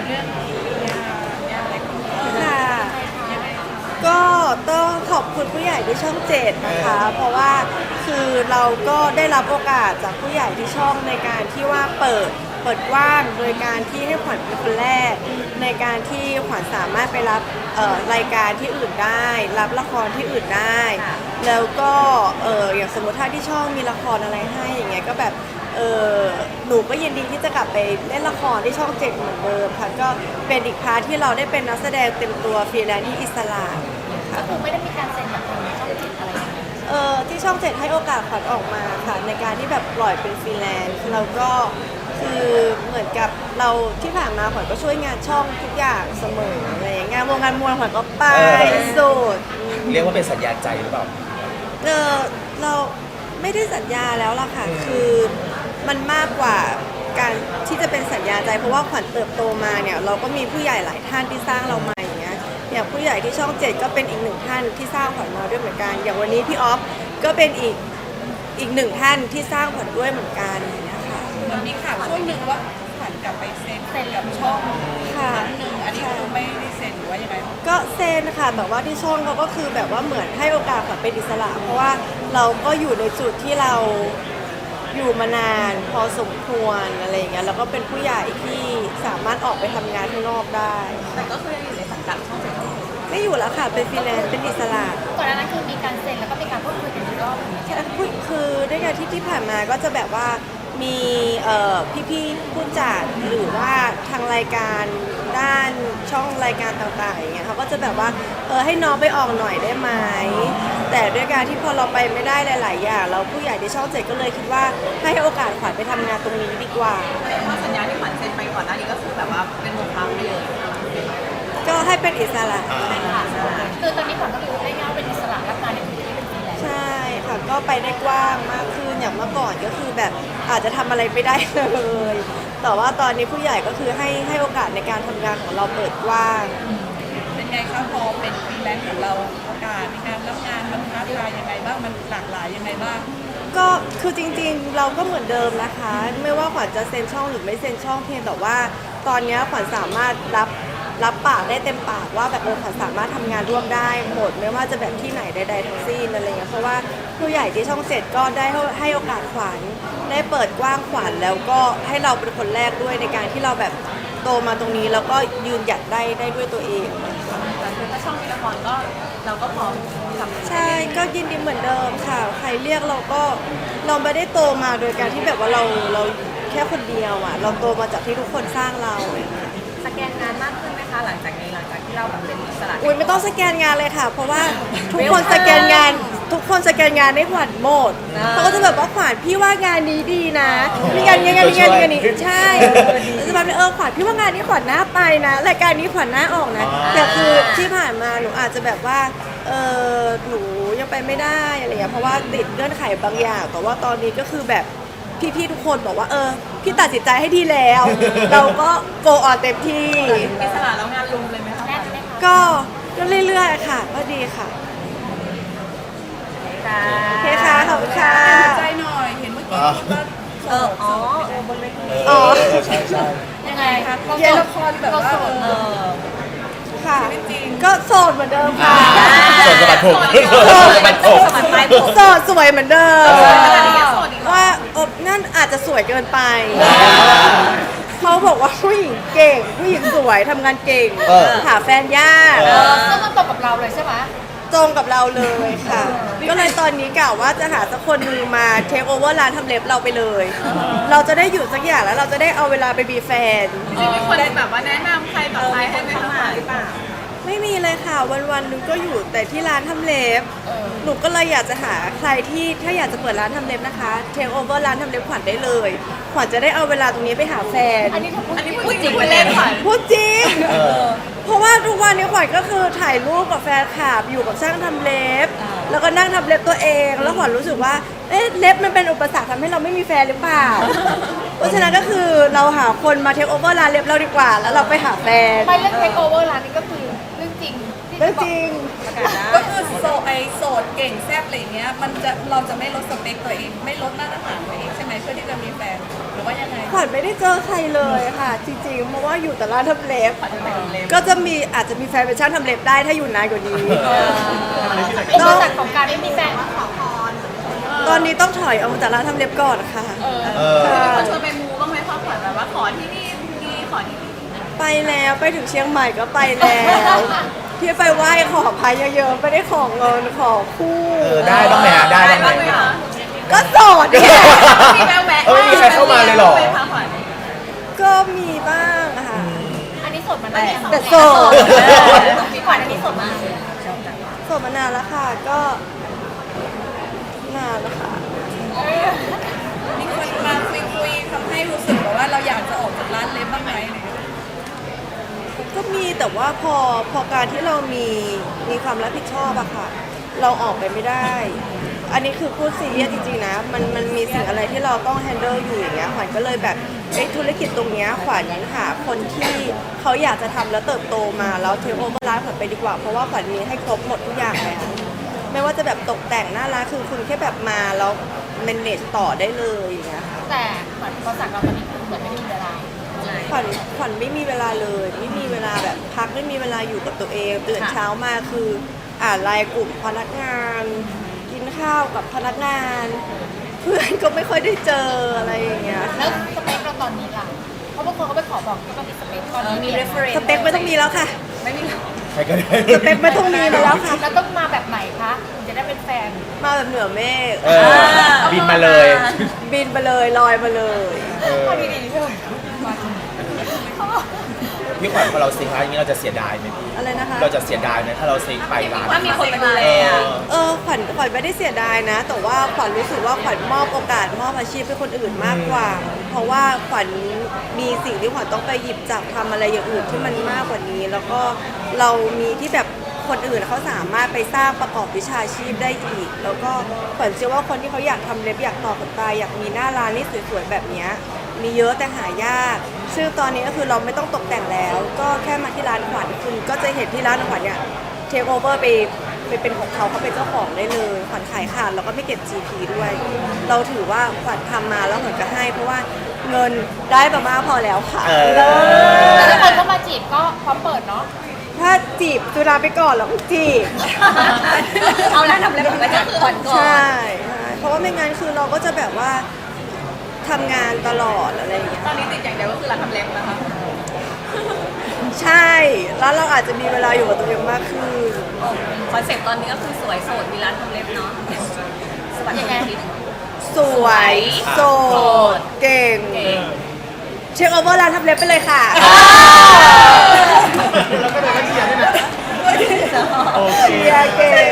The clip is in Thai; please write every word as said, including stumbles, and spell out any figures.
เรื่องเนี่ยเนี่ยอะไรของเราค่ะก็ต้องขอบคุณผู้ใหญ่ที่ช่องเจ็ดนะคะ เพราะว่าคือเราก็ได้รับโอกาสจากผู้ใหญ่ที่ช่องในการที่ว่าเปิดเปิดกว้างโดยการที่ให้ขวัญเป็นคนแรกในการที่ขวัญสามารถไปรับเอ่อรายการที่อื่นได้ รับละครที่อื่นได้ แล้วก็เอออย่างสมมติถ้าที่ช่องมีละครอะไรให้อย่างเงี้ยก็แบบเออหนูก็ยินดีที่จะกลับไปเล่นละครที่ช่องเจ็ดเหมือนเดิมค่ะก็เป็นอีกพาร์ทที่เราได้เป็นนักแสดงเต็มตัวฟรีแลนซ์ที่อิสระค่ะก็คือไม่ได้มีการเซ็นกับทางช่องเจ็ดอะไรอย่างเงี้ยเออที่ช่องเจ็ดให้โอกาสขวัญออกมาค่ะในการที่แบบปล่อยเป็นฟรีแลนซ์แล้วก็คือเหมือนกับเราที่ผ่านมาขวัญก็ช่วยงานช่องทุกอย่างเสมออะไรอย่างเงี้ยงานวงงานมวลขวัญก็ไปสุดเรียกว่าเป็นสัญญาใจหรือเปล่าเออเราไม่ได้สัญญาแล้วล่ะค่ะคือมันมากกว่าการที่จะเป็นสัญญาใจเพราะว่าขวัญเติบโตมาเนี่ยเราก็มีผู้ใหญ่หลายท่านที่สร้างเรามาอย่างเงี้ยอย่างผู้ใหญ่ที่ช่องเจ็ดก็เป็นอีกหนึ่งท่านที่สร้างขวัญมาด้วยเหมือนกันอย่างวันนี้พี่ออฟก็เป็นอีกอีกหนึ่งท่านที่สร้างขวัญด้วยเหมือนกันอย่างเงี้ยค่ะมันมีข่าวช่วงหนึ่งว่าขวัญกลับไปเซ็นกับช่องค่ะครั้งหนึ่งอันนี้คือไม่ได้เซ็นหรือว่ายังไงก็เซนค่ะแต่ว่าที่ช่องเขาก็คือแบบว่าเหมือนให้โอกาสขวัญเป็นอิสระ เพราะว่าเราก็อยู่ในจุดที่เราอยู่มานานพอสมควรอะไรอย่างเงี้ยแล้วก็เป็นผู้ใหญ่ที่สามารถออกไปทำงานข้างนอกได้แต่ก็คือยังอยู่ในสังกัดช่องเจ็ดไม่อยู่แล้วค่ะเป็นฟรีแลนซ์เป็นอิสระก่อนหน้านั้นคือมีการเซ็นแล้วก็มีการพูดคุยกันอีกรอบหนึ่งใช่คือคือด้วยการที่ที่ผ่านมาก็จะแบบว่ามีเอ่อพี่ๆผู้จัดหรือว่าทางรายการด้านช่องรายการต่างๆอย่างเงี้ยเขาก็จะแบบว่าเออให้น้องไปออกหน่อยได้ไหมแต่ด้วยการที่พอเราไปไม่ได้หลายๆอย่างเราผู้ใหญ่ในช่องเจ็ดก็เลยคิดว่าให้โอกาสขวัญไปทำงานตรงนี้ดีกว่าเพราะสัญญาที่ขวัญเซ็นไปก่อนหน้านี้ก็คือแบบว่าเป็นหมดพังไปเลยก็ให้เป็นอิสระคือตอนนี้ขวัญก็คือได้ง่ายเป็นอิสระรับงานในพื้นที่เป็นฟรีแลนซ์ใช่ค่ะก็ไปได้กว้างมากขึ้นอย่างเมื่อก่อนก็คือแบบอาจจะทำอะไรไม่ได้เลย แต่ว่าตอนนี้ผู้ใหญ่ก็คือให้ให้โอกาสในการทำงานของเราเปิดกว้างเป็นไงคะพอเป็นฟรีแลนซ์ของเราโอกาสในการรับงานมันท้าทายยังไงบ้างมันหลากหลายยังไงบ้างก็คือจริงๆเราก็เหมือนเดิมนะคะ ไม่ว่าขวัญจะเซ็นช่องหรือไม่เซ็นช่องเพียงแต่ว่าตอนนี้ขวัญสามารถรับรับปากได้เต็มปากว่าแบบเออขวัญสามารถทำงานร่วมได้หมดไม่ว่าจะแบบที่ไหนใดๆทั้งสิ้นอะไรเงี้ยเพราะว่าผู้ใหญ่ที่ช่องเจ็ดก็ได้ให้โอกาสขวัญได้เปิดกว้างขวัญแล้วก็ให้เราเป็นคนแรกด้วยในการที่เราแบบโตมาตรงนี้แล้วก็ยืนหยัดได้ได้ด้วยตัวเองแต่คือถ้าช่องมีละครก็เราก็พร้อมทำใช่ก็ยินดีเหมือนเดิมค่ะใครเรียกเราก็เราไม่ได้โตมาโดยการที่แบบว่าเราเราแค่คนเดียวอ่ะเราโตมาจากที่ทุกคนสร้างเราสแกนงานมากขึ้นไหมคะหลังจากนี้หลังจากที่เราแบบเป็นอิสระอุ้ยไม่ต้องสแกนงานเลยค่ะ เพราะว่าทุกคนสแกนงานทุกคนสแกนงานให้ขวัญหมดเขาก็จะแบบว่าขวัญพี่ว่างานนี้ดีนะมีงานนี้งานนี้งานนี้งานนี้ใช่แล้วจะแบบเออขวัญพี่ว่างานนี้ขวัญน่าไปนะรายการนี้ขวัญน่าออกนะแต่คือที่ผ่านมาหนูอาจจะแบบว่าเออหนูยังไปไม่ได้อะไรอย่างเงี้ยเพราะว่าติดเงื่อนไขบางอย่างแต่ว่าตอนนี้ก็คือแบบพี่ๆทุกคนบอกว่าเออพี่ตัดสินใจให้ดีแล้ว เราก็โกออนเต็มที่อิสระแล้วงานลุมเลยไหมคะแน่นไหมคะก็ก็เรื่อยๆค่ะก็ดีค่ะค่ะโอเคค่ะขอบคุณค่ะใจหน่อยเห็นเมื่อกี้พูดว่าเอออ๋ออ๋อใช่ใช่ยังไงคะเราเล่นละครแบบว่าเอเอออค่ะจริงก็โสดเหมือนเดิมค่ะส่วนสะบัดผมสะบัดผมสะบัดปลายผมโสดสวยเหมือนเดิมขนาดนี้ยังโสดอีกเหรอว่าอบนั่นอาจจะสวยเกินไป เขาบอกว่าผู้หญิงเก่ง ผู้หญิงสวยทำงานเก่ง หาแฟนยากเออซึ่งมันตรงกับเราเลยใช่ไหมตรงกับเราเลยค่ะ ก็เลยตอนนี้กล่าวว่าจะหาสักคนหนึงมาเทคโอเวอร์ร้านทำเล็บเราไปเลย เราจะได้อยู่สักอย่างแล้วเราจะได้เอาเวลาไปมีแฟนจริงๆมีคนแบบว่าแนะนำใครต่อใครให้ไหมคะหรือเปล่าไม่มีเลยค่ะวันๆหนึงก็อยู่แต่ที่ร้านทำเล็บ หนูก็เลยอยากจะหาใครที่ถ้าอยากจะเปิดร้านทำเล็บนะคะเทคโอเวอร์ร้านทำเล็บขวัญได้เลยขวัญจะได้เอาเวลาตรงนี้ไปหาแฟนอันนี้ถ้าพูดอันนี้จริงพูดจริงพูดเล่นค่ะพูดจริง เพราะว่าทุกวันนี้ขวัญก็คือถ่ายรูปกับแฟนคลับอยู่กับช่างทำเล็บ แล้วก็นั่งทำเล็บตัวเอง แล้วขวัญรู้สึกว่าเอ๊ะเล็บมันเป็นอุปสรรคทำให้เราไม่มีแฟนหรือเปล่า เพราะฉะนั้นก็คือเราหาคนมาเทคโอเวอร์ร้านเล็บเราดีกว่า แล้วเราไปหาแฟนไม่เรื่องเทคโอเวอร์ร้านนี้ก็คือเรื่องจริงที่เรื่องจริงประกาศได้ก็คือโสดไอโสดเก่งแซ่บอะไรอย่างเงี้ยมันจะเราจะไม่ลดสเปคตัวเองไม่ลดมาตรฐานตัวเองใช่ไหมเพื่อที่จะมีแฟนหรือว่ายังไงขวัญไม่ได้เจอใครเลยค่ะ จริงๆ เพราะว่าอยู่แต่ร้านทำเล็บ ก็จะมีอาจจะมีแฟนเป็นช่างทำเล็บได้ถ้าอยู่นานกว่านี้เป็นบริษัทของการไม่มีแฟนขอพรตอนนี้ต้องถอยออกมาจากร้านทำเล็บก่อนค่ะเออค่ะชวนไปมูบ้างไหมคะขวัญแบบว่าขอที่นี่ดีขอที่นี่ไปแล้วไปถึงเชียงใหม่ก็ไปแล้วที่ไปไหว้ขอพายเยอะๆไม่ได้ขอเงินขอคู่เออได้บ้างไหมฮะได้บ้างไหมคะก็โสดเนี่ยมีแววแวะเออไม่มีใครเข้ามาเลยเหรอไหมคะขวัญก็มีบ้างค่ะอันนี้สดมานานยังแต่โสดมีขวัญอันนี้สดมานานโสดมานานแล้วค่ะก็นานแล้วค่ะมีคนมาคุยคุยๆทำให้รู้สึกแบบว่าเราอยากจะออกจากร้านเล็บบ้างไหมอะไรอย่างเงี้ยก็มีแต่ว่าพอพอการที่เรามีมีความรับผิดชอบอะค่ะ เราออกไปไม่ได้ อันนี้คือพูดซีเรียสจริงๆนะ มันมันมีสิ่งอะไรที่เราต้องแฮนเดิลอยู่อย่างเงี้ยขวัญก็เลยแบบเอ้ธุรกิจตรงเนี้ยขวัญหาคนที่เขาอยากจะทำแล้วเติบโตมาแล้วเทคโอเวอร์ร้านขวัญไปดีกว่า เพราะว่าขวัญมีให้ครบหมดทุกอย่างแล้วไม่ว่าจะแบบตกแต่งหน้าร้านคือคุณแค่แบบมาแล้ว manage ต่อได้เลยอย่างเงี้ยค่ะแต่ขวัญภาษาเราตอนนี้คือเหมือนไม่มีเวลาขวัญขวัญไม่มีเวลาเลย ไม่มีเวลาแบบพักไม่มีเวลาอยู่กับตัวเองตื่นเช้ามาคืออ่านไลน์กลุ่มพนักงาน กินข้าวกับพนักงาน เพื่อนก็ไม่ค่อยได้เจออะไรอย่างเงี้ยแล้วสเปคเราตอนนี้ล่ะเพราะบางคนเขาไปขอบอกก็ต้องมีสเปคตอนนี้มี reference สเปคไม่ต้องมีแล้วค่ะไม่มีใครก็ได้สเปคไม่ต้องมีมาแล้วค่ะแล้วต้องมาแบบไหนคะถึงจะได้เป็นแฟนมาแบบเหนือเมฆเออบินมาเลยบินไปเลยลอยมาเลยเออเอาดีๆเถอะพี่ขวัญพอเราซิงค์ร้านอย่างนี้เราจะเสียดายไหมพี่อะไรนะคะเราจะเสียดายไหมถ้าเราซิงค์ไปร้านว่ามีคนมาดูแลเออะอเออขวัญขวัญไม่ได้เสียดายนะ แต่ว่าขวัญรู้สึกว่าขวัญมอบโอกาสมอบอาชีพให้คนอื่นมากกว่า เพราะว่าขวัญมีสิ่งที่ขวัญต้องไปหยิบจับทำอะไรอย่างอื่นที่มันมากกว่านี้ แล้วก็เรามีที่แบบคนอื่นเขาสามารถไปสร้างประกอบวิชาชีพได้อีก แล้วก็ขวัญเชื่อว่าคนที่เขาอยากทำเล็บอยากต่อขนตาอยากมีหน้าร้านที่สวยๆแบบเนี้ยมีเยอะแต่หายากซึ่งตอนนี้ก็คือเราไม่ต้องตกแต่งแล้ว ก็แค่มาที่ร้านขวัญคุณก็จะเห็นที่ร้านขวัญเนี่ย เทคโอเวอร์ไปไปเป็นของเขาเขาเป็นเจ้าของได้เลยขวัญขายขาดแล้วก็ไม่เก็บ จี พี ด้วย เราถือว่าขวัญทำมาแล้วขวัญก็ให้ เพราะว่าเงินได้ประมาณพอแล้วค่ะเออเลิศแต่ถ้าใครเข้ามาจีบก็พร้อมเปิดเนาะถ้าจีบสุราไปก่อนแล้วก็จีบเอาแล้วทำอะไรแบบไว้ก็คือขวัญก่อนใช่ใช่เพราะว่าไม่งั้นคือเราก็จะแบบว่าทำงานตลอดอะไรอย่างเงี้ยตอนนี้ติดอย่างเดียวก็คือร้านทำเล็บนะคะใช่ แล้วเราอาจจะมีเวลาอยู่กับตัวเองมากขึ้นคอนเซ็ปต์ตอนนี้ก็คือสวยโสดมีร้านทำเล็บเนาะสวัสดีค่ะสวยโสดเก่งเก่งเช็คโอเวอร์ร้านทำเล็บไปเลยค่ะแล้วก็เดินมาเชียร์ด้วยนะโอเคเชียร์เก่ง